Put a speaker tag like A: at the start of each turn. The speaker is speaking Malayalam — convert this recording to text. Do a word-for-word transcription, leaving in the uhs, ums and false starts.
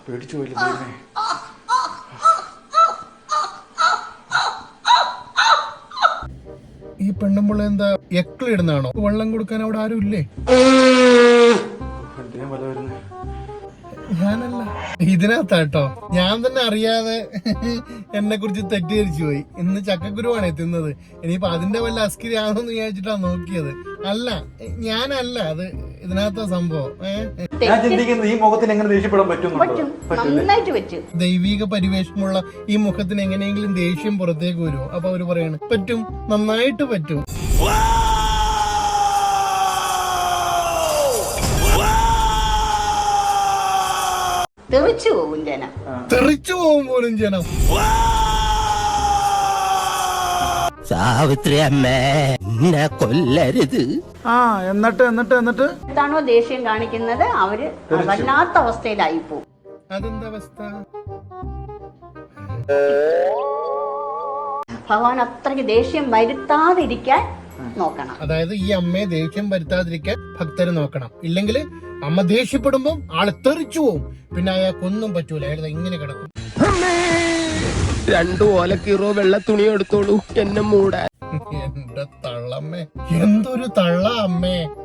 A: പേടിച്ചു പോയില്ലേ?
B: ഈ പെണ്ണുമ്പുള്ള എന്താ എക്കളിടുന്നാണോ? വെള്ളം കൊടുക്കാൻ അവിടെ ആരും ഇല്ലേ? ഞാനല്ല, ഇതിനകത്താട്ടോ. ഞാൻ തന്നെ അറിയാതെ എന്നെ കുറിച്ച് തെറ്റിദ്ധരിച്ചു പോയി. ഇന്ന് ചക്കക്കുരുവാണ് എത്തുന്നത്. ഇനിയിപ്പൊ അതിന്റെ വല്ല അസ്കിരി ആണോന്ന് വിചാരിച്ചിട്ടാ നോക്കിയത്. അല്ല, ഞാനല്ല, അത് ഇതിനകത്ത സംഭവം.
A: ഈ മുഖത്തിന് എങ്ങനെ ദേഷ്യപ്പെടാൻ പറ്റും?
B: ദൈവിക പരിവേഷമുള്ള ഈ മുഖത്തിന് എങ്ങനെയെങ്കിലും ദേഷ്യം പുറത്തേക്ക് വരുമോ? അപ്പൊ അവര് പറയാണ് പറ്റും, നന്നായിട്ട് പറ്റും.
C: തെറിച്ചു പോകും ജനം,
B: തെറിച്ചു പോകും പോലും ജനം.
D: സാവിത്രി അമ്മേ, എന്നെ കൊല്ലരുത്.
A: ആ എന്നിട്ട് എന്നിട്ട് എന്നിട്ട്
C: എന്താണോ ദേഷ്യം കാണിക്കുന്നത് അവര് വല്ലാത്ത അവസ്ഥയിലായി പോകും.
B: അതെന്താ അവസ്ഥ?
C: ഭഗവാൻ അത്രയ്ക്ക് ദേഷ്യം വരുത്താതിരിക്കാൻ നോക്കണം.
B: അതായത് ഈ അമ്മയെ ദേഷ്യം വരുത്താതിരിക്കാൻ ഭക്തര് നോക്കണം. ഇല്ലെങ്കിൽ അമ്മ ദേഷ്യപ്പെടുമ്പോ ആള് തെറിച്ചു പോവും. പിന്നെ അയാൾക്കൊന്നും പറ്റൂല, അയാൾ ഇങ്ങനെ കിടക്കും.
D: രണ്ടു ഓലക്കീറോ വെള്ള തുണി എടുത്തോളൂ എന്നെ മൂടാൻ.
B: എന്റെ തള്ളമ്മേ, എന്തൊരു തള്ള അമ്മേ.